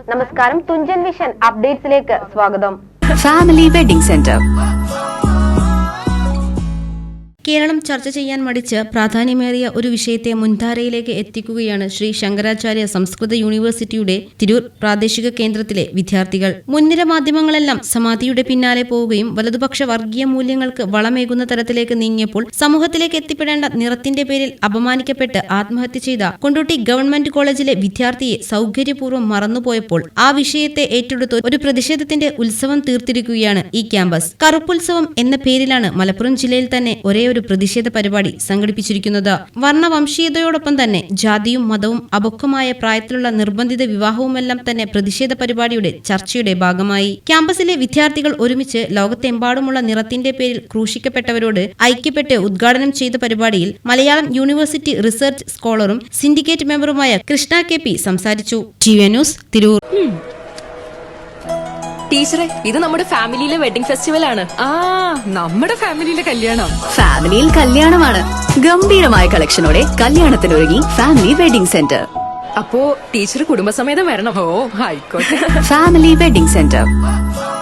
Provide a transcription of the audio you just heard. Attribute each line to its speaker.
Speaker 1: നമസ്കാരം, തുഞ്ചൻ വിഷൻ അപ്ഡേറ്റ്സിലേക്ക് സ്വാഗതം.
Speaker 2: Family wedding centre.
Speaker 3: Keralam ചർച്ച ചെയ്യാൻ മടിച്ച് പ്രാധാന്യമേറിയ ഒരു വിഷയത്തെ മുൻധാരയിലേക്ക് എത്തിക്കുകയാണ് ശ്രീ ശങ്കരാചാര്യ സംസ്കൃത യൂണിവേഴ്സിറ്റിയുടെ തിരൂർ പ്രാദേശിക കേന്ദ്രത്തിലെ വിദ്യാർത്ഥികൾ. മുൻനിര മാധ്യമങ്ങളെല്ലാം സമാധിയുടെ പിന്നാലെ പോവുകയും വലതുപക്ഷ വർഗീയ മൂല്യങ്ങൾക്ക് വളമേകുന്ന തരത്തിലേക്ക് നീങ്ങിയപ്പോൾ സമൂഹത്തിലേക്ക് എത്തിപ്പെടേണ്ട നിറത്തിന്റെ പേരിൽ അപമാനിക്കപ്പെട്ട് ആത്മഹത്യ ചെയ്ത കൊണ്ടോട്ടി ഗവൺമെന്റ് കോളേജിലെ വിദ്യാർത്ഥിയെ സൗകര്യപൂർവ്വം മറന്നുപോയപ്പോൾ ആ വിഷയത്തെ ഏറ്റെടുത്ത് ഒരു പ്രതിഷേധത്തിന്റെ ഉത്സവം തീർത്തിരിക്കുകയാണ് ഈ ക്യാമ്പസ്. കറുപ്പുത്സവം എന്ന പേരിലാണ് മലപ്പുറം ജില്ലയിൽ തന്നെ ഒരേ ഒരു പ്രതിഷേധ പരിപാടി സംഘടിപ്പിച്ചിരിക്കുന്നത്. വർണ്ണവംശീയതയോടൊപ്പം തന്നെ ജാതിയും മതവും അപക്വമായ പ്രായത്തിലുള്ള നിർബന്ധിത വിവാഹവുമെല്ലാം തന്നെ പ്രതിഷേധ പരിപാടിയുടെ ചർച്ചയുടെ ഭാഗമായി. ക്യാമ്പസിലെ വിദ്യാർത്ഥികൾ ഒരുമിച്ച് ലോകത്തെമ്പാടുമുള്ള നിറത്തിന്റെ പേരിൽ ക്രൂശിക്കപ്പെട്ടവരോട് ഐക്യപ്പെട്ട് ഉദ്ഘാടനം ചെയ്ത പരിപാടിയിൽ മലയാളം യൂണിവേഴ്സിറ്റി റിസർച്ച് സ്കോളറും സിൻഡിക്കേറ്റ് മെമ്പറുമായ കൃഷ്ണ കെ പി സംസാരിച്ചു. TV news, Tirur.
Speaker 4: ടീച്ചറെ, ഇത് നമ്മുടെ ഫാമിലിയിലെ വെഡിങ് ഫെസ്റ്റിവൽ ആണ്.
Speaker 5: നമ്മുടെ ഫാമിലിയിലെ കല്യാണം.
Speaker 2: ഫാമിലിയിൽ കല്യാണമാണ്. ഗംഭീരമായ കളക്ഷനോടെ കല്യാണത്തിനൊരുങ്ങി ഫാമിലി വെഡിംഗ് സെന്റർ.
Speaker 4: അപ്പോ ടീച്ചർ കുടുംബസമേതം വരണം.
Speaker 5: ഓ, ആയിക്കോട്ടെ.
Speaker 2: Family wedding centre.